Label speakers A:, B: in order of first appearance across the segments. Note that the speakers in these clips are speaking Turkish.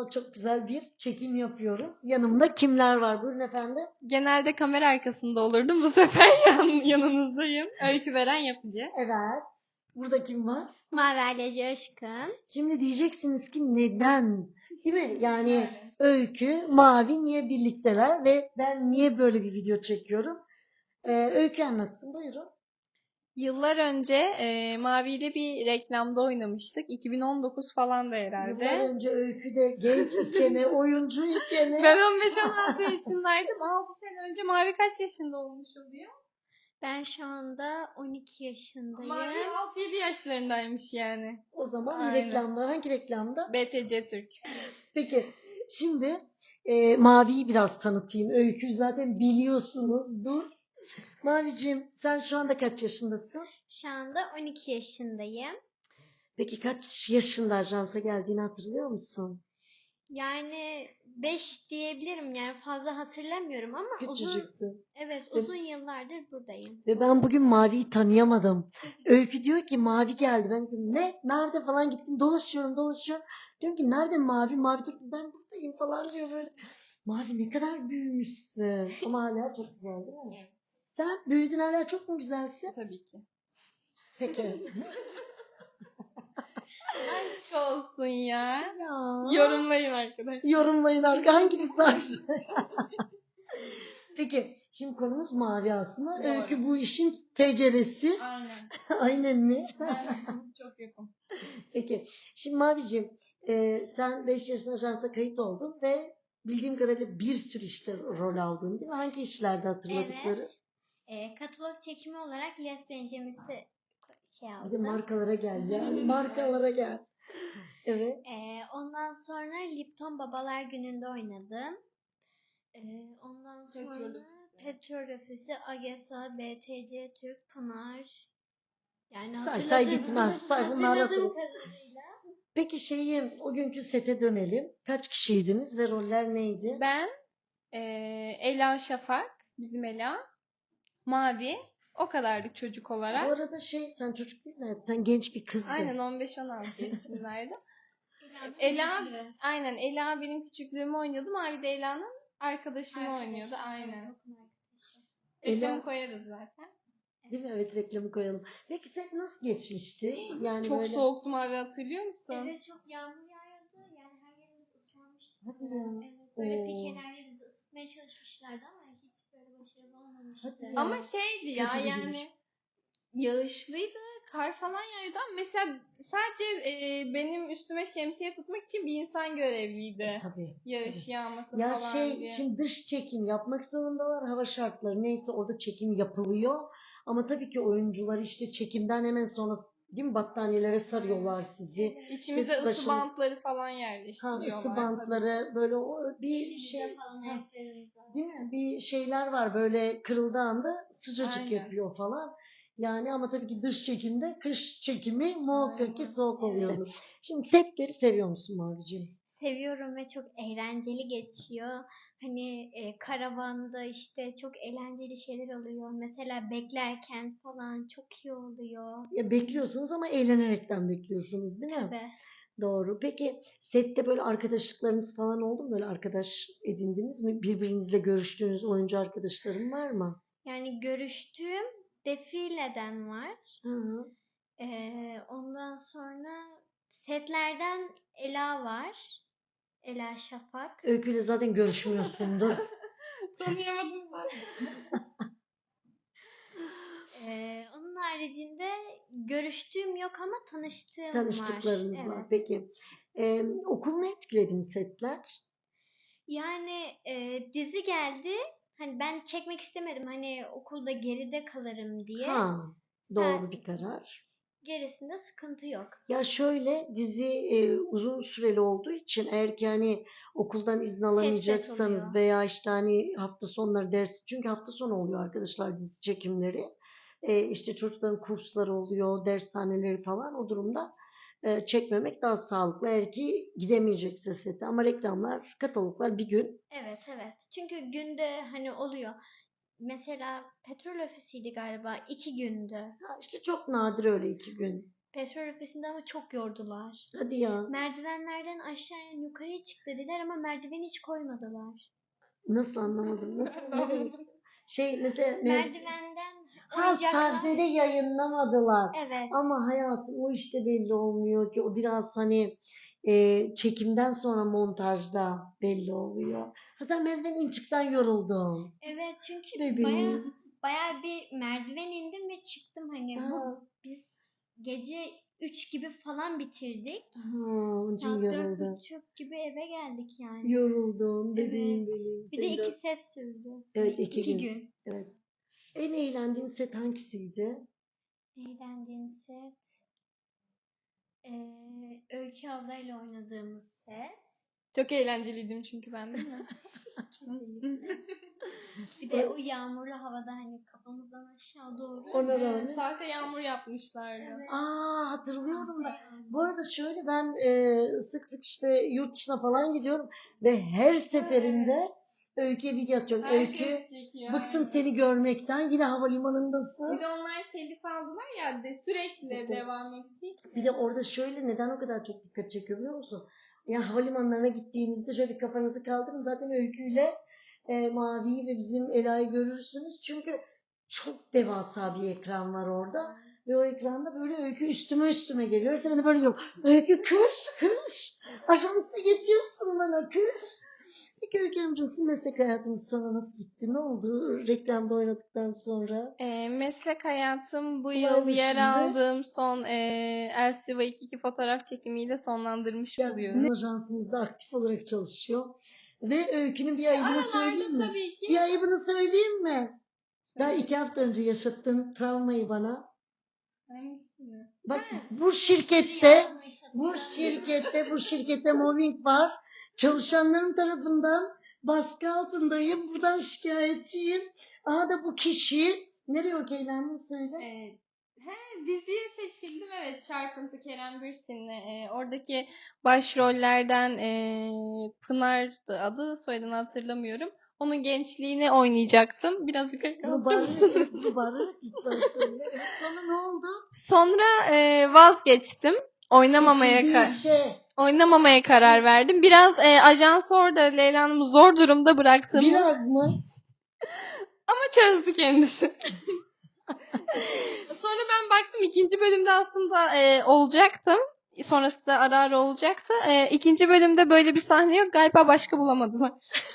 A: Vallahi çok güzel bir çekim yapıyoruz. Yanımda kimler var? Buyurun efendim.
B: Genelde kamera arkasında olurdum. Bu sefer yanınızdayım. Öykü veren yapıcı.
A: Evet. Burada kim var?
C: Maverle Coşkun.
A: Şimdi diyeceksiniz ki neden? Değil mi? Yani Öykü, Mavi niye birlikteler ve ben niye böyle bir video çekiyorum? Öykü anlatsın. Buyurun.
B: Yıllar önce Mavi ile bir reklamda oynamıştık. 2019 falan da
A: Yıllar
B: herhalde.
A: önce Öykü de genç ikene, oyuncu ikene.
B: Ben 15-16 yaşındaydım. 6 sene önce Mavi kaç yaşında olmuş oluyor?
C: Ben şu anda 12 yaşındayım.
B: Mavi 6-7 yaşlarındaymış yani.
A: O zaman
B: Aynen.
A: reklamda, hangi reklamda?
B: BTC Türk.
A: Peki şimdi Mavi'yi biraz tanıtayım. Öykü zaten biliyorsunuzdur. Maviciğim sen şu anda kaç yaşındasın?
C: Şu anda 12 yaşındayım.
A: Peki kaç yaşında ajansa geldiğini hatırlıyor musun?
C: Yani 5 diyebilirim, yani fazla hatırlamıyorum ama
A: Küçücüktü.
C: uzun yıllardır buradayım.
A: Ve ben bugün Mavi'yi tanıyamadım. Öykü diyor ki Mavi geldi. Ben diyorum ne? Nerede falan gittim. Dolaşıyorum. Diyorum ki nerede Mavi? Mavi diyor ki ben buradayım falan diyor böyle. Mavi ne kadar büyümüşsün. Ama hala çok güzel değil mi?
B: Evet.
A: Sen büyüdün hala çok mu güzelsin?
B: Tabii ki.
A: Peki.
B: Aşk olsun ya.
A: Ya.
B: Yorumlayın arkadaşlar.
A: Yorumlayın hanginiz daha güzel? Peki şimdi konumuz Mavi aslında.
B: Doğru.
A: Öykü bu işin teceresi.
B: Aynen.
A: Aynen mi?
B: Aynen. Çok yakın.
A: Peki. Şimdi Maviciğim sen 5 yaşında ajansa kayıt oldun ve bildiğim kadarıyla bir sürü işte rol aldın değil mi? Hangi işlerde hatırladıkları?
C: Evet. Katalog çekimi olarak Les Benjamis'i
A: Bir
C: aldım.
A: de markalara gel yani. Markalara gel. Evet.
C: Ondan sonra Lipton Babalar Günü'nde oynadım. Ondan sonra Petrol Ofisi, AGESA, BTC Türk, Pınar. Yani
A: Say bitmez. Say bunları
C: hatırladığım
A: hatırla.
C: kadarıyla.
A: Peki o günkü sete dönelim. Kaç kişiydiniz ve roller neydi?
B: Ben Ela Şafak, bizim Ela, Mavi, o kadarlık çocuk
A: Bu
B: olarak.
A: arada sen çocuk değil de sen genç bir kızdın.
B: Aynen 15-16 yaşındaydım. Ela benim küçüklüğümü oynuyordu. Mavi de Ela'nın arkadaşını oynuyordu. Aynen. Reklamı koyarız zaten.
A: Değil mi? Evet reklamı koyalım. Peki set nasıl geçmişti? Yani
B: Çok
A: böyle...
B: soğuktu Mavi, hatırlıyor musun?
C: Evet, çok yağmur yağıyordu. Yani her yerimiz ıslanmıştı.
A: Hadi ya.
C: Evet, böyle
A: Oo.
C: bir kenarlarımızı ısıtmaya çalışmışlardı ama hiç böyle başarılı olmamıştı.
A: Hadi ya.
B: Ama şeydi ya,
A: Kötü bir
B: yani
A: giriş.
B: yağışlıydı, kar falan yağıyordu ama mesela sadece benim üstüme şemsiye tutmak için bir insan görevliydi.
A: Tabii.
B: Yağış yağmasın
A: Ya
B: falan diye.
A: şimdi dış çekim yapmak zorundalar. Hava şartları neyse orada çekim yapılıyor. Ama tabii ki oyuncular işte çekimden hemen sonra değil mi battaniyelere sarıyorlar sizi.
B: İçimize
A: İşte
B: ısı bantları falan yerleştiriyorlar.
A: ısı bantları böyle bir
C: Elimize falan, ayaklarımıza.
A: değil mi? Bir şeyler var böyle kırıldığı anda sıcacık
B: Aynen.
A: yapıyor falan. Yani ama tabii ki dış çekimde kış çekimi muhakkak ki soğuk oluyordu. Şimdi setleri seviyor musun Maviciğim?
C: Seviyorum ve çok eğlenceli geçiyor. Hani karavanda işte çok eğlenceli şeyler oluyor. Mesela beklerken falan çok iyi oluyor.
A: Ya bekliyorsunuz ama eğlenerekten bekliyorsunuz değil mi?
C: Tabii.
A: Doğru. Peki sette böyle arkadaşlıklarınız falan oldu mu? Böyle arkadaş edindiniz mi? Birbirinizle görüştüğünüz oyuncu arkadaşların var mı?
C: Yani görüştüğüm Defile'den var.
A: Hı.
C: Ondan sonra setlerden Ela var. Ela Şafak.
A: Öyküyle zaten görüşmüyorsundur.
B: Tanıyamadım zaten.
C: Onun haricinde görüştüğüm yok ama tanıştığım
A: Tanıştıklarınız
C: var.
A: var.
C: Evet.
A: Peki. Okulunu etkiledi mi setler?
C: Yani dizi geldi. Hani ben çekmek istemedim. Hani okulda geride kalırım diye.
A: Ha, doğru bir karar.
C: Gerisinde sıkıntı yok.
A: Ya şöyle dizi uzun süreli olduğu için eğer ki hani okuldan izin alamayacaksanız
C: oluyor.
A: veya işte hani hafta sonları ders çünkü hafta sonu oluyor arkadaşlar dizi çekimleri. İşte çocukların kursları oluyor, dershaneleri falan o durumda çekmemek daha sağlıklı. Eğer ki gidemeyecekse sete ama reklamlar, kataloglar bir gün.
C: Evet. Çünkü günde hani oluyor. Mesela Petrol Ofisi'ydi galiba, 2 gündü.
A: Ha, işte çok nadir öyle 2 gün.
C: petrol ofisinde ama çok yordular.
A: Hadi ya.
C: Merdivenlerden aşağıya yukarıya çık dediler ama merdiveni hiç koymadılar.
A: Nasıl anlamadım? Nasıl? Ne demek? Mesela
C: Merdivenden
A: ha sahnede yayınlamadılar.
C: Evet.
A: Ama hayatım o işte belli olmuyor ki. O biraz hani çekimden sonra montajda belli oluyor. Ha sen merdivenden çıktan yoruldun.
C: Evet çünkü
A: Bebeğim.
C: bayağı bir merdiven indim ve çıktım hani
A: Ha.
C: biz gece 3 gibi falan bitirdik.
A: Onun için
C: Saat
A: yoruldun.
C: 4.30 gibi eve geldik yani.
A: Yoruldun bebeğim
C: Evet.
A: benim.
C: Bir de
A: Senin
C: 2
A: biraz-
C: set sürdü.
A: Evet
C: 2 gün.
A: Evet. En eğlendiğin set hangisiydi?
C: Eğlendiğim set. Öykü ablayla oynadığımız set.
B: Çok eğlenceliydim çünkü ben, değil mi?
C: Kesinlikle. Bir de o yağmurlu havada hani kafamızdan aşağı doğru.
A: Ona rağmen.
B: Sahte yağmur yapmışlardı.
C: Evet.
A: Hatırlıyorum ben.
C: Sahte
A: Bu arada şöyle ben sık sık işte yurt dışına falan gidiyorum ve her seferinde Öykü'ye bilgi atıyorum. Öykü
B: Herkes çekiyor.
A: bıktım
B: aynen.
A: seni görmekten yine havalimanındasın.
B: Bir de onlar telif aldılar ya sürekli
A: Evet.
B: devam ettiği için.
A: Bir de orada şöyle neden o kadar çok dikkat çekiyor biliyor musun? Ya havalimanlarına gittiğinizde şöyle kafanızı kaldırın zaten Öykü'yle Mavi'yi ve bizim Ela'yı görürsünüz. Çünkü çok devasa bir ekran var orada. Ve o ekranda böyle Öykü üstüme geliyor. Sen de böyle diyorum. Öykü kış. Aşağısına getiriyorsun bana kış. Peki Öykü Hanımcığım sizin meslek hayatınız sonra nasıl gitti? Ne oldu reklamda oynadıktan sonra?
B: Meslek hayatım bu
A: Olay
B: yıl yer
A: dışında-
B: aldığım son LCV 2 fotoğraf çekimiyle sonlandırmış
A: Yani
B: buluyorum.
A: bizim ajansımızda aktif olarak çalışıyor. Ve Öykü'nün bir ayıbını söyleyeyim mi?
B: Tabii ki.
A: Bir ayıbını söyleyeyim mi? Daha 2 hafta önce yaşattığın travmayı bana.
B: Hangisini?
A: Bak bu şirkette mobbing var. Çalışanların tarafından baskı altındayım. Buradan şikayetçiyim. Aha da bu kişi nereye okeylendiğini söyle.
B: Diziye seçildim, evet, Çarpıntı Kerem Bürsin'le. Oradaki başrollerden Pınar'dı adı, soyadını hatırlamıyorum. Onun gençliğini oynayacaktım. Biraz yukarı
A: Bunu
B: kaldırdım.
A: bağırarak lütfen söyle. Evet, sonra ne oldu?
B: Sonra vazgeçtim. Oynamamaya karar verdim. Biraz ajans orada Leyla Hanım'ı zor durumda bıraktığımı
A: Biraz mı?
B: ama çözdü kendisi. Sonra ben baktım ikinci bölümde aslında olacaktım. Sonrasında ara ara olacaktı. İkinci bölümde böyle bir sahne yok. Galiba başka bulamadılar.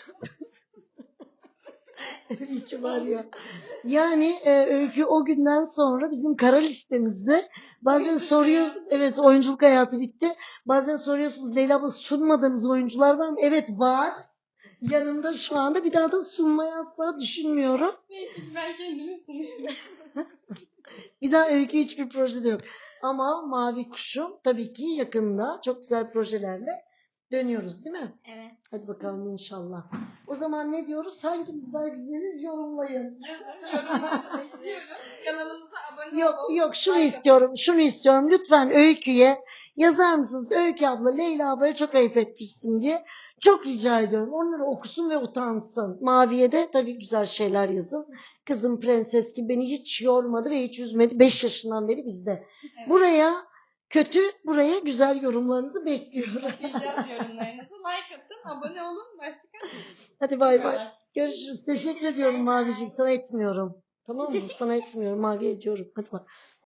A: Öykü var ya. Yani Öykü o günden sonra bizim kara listemizde bazen soruyor. Evet oyunculuk hayatı bitti. Bazen soruyorsunuz Leyla abla sunmadığınız oyuncular var mı? Evet var. Yanımda şu anda bir daha da sunmayı asla düşünmüyorum.
B: Neyse ki ben kendimi sunuyorum.
A: Bir daha Öykü hiçbir projede yok. Ama Mavi Kuşum tabii ki yakında çok güzel projelerle dönüyoruz değil mi?
C: Evet.
A: Hadi bakalım inşallah. O zaman ne diyoruz? Hangimiz daha güzeliz yorumlayın.
B: Yorumlarınızı bekliyoruz. Kanalımıza abone olun.
A: Yok şunu istiyorum. Lütfen Öykü'ye yazar mısınız? Öykü abla Leyla ablaya çok ayıp etmişsin diye. Çok rica ediyorum. Onları okusun ve utansın. Mavi'ye de tabii güzel şeyler yazın. Kızım prenses gibi beni hiç yormadı ve hiç üzmedi. 5 yaşından beri bizde.
B: Evet.
A: Buraya kötü, buraya güzel yorumlarınızı bekliyorum.
B: Okuyacağız yorumlarınızı. Like atın, abone olun. Başka?
A: Hadi bay bay. Görüşürüz. Teşekkür ediyorum Maviciğim. Sana etmiyorum. Tamam mı? Sana etmiyorum. Mavi ediyorum. Hadi bak.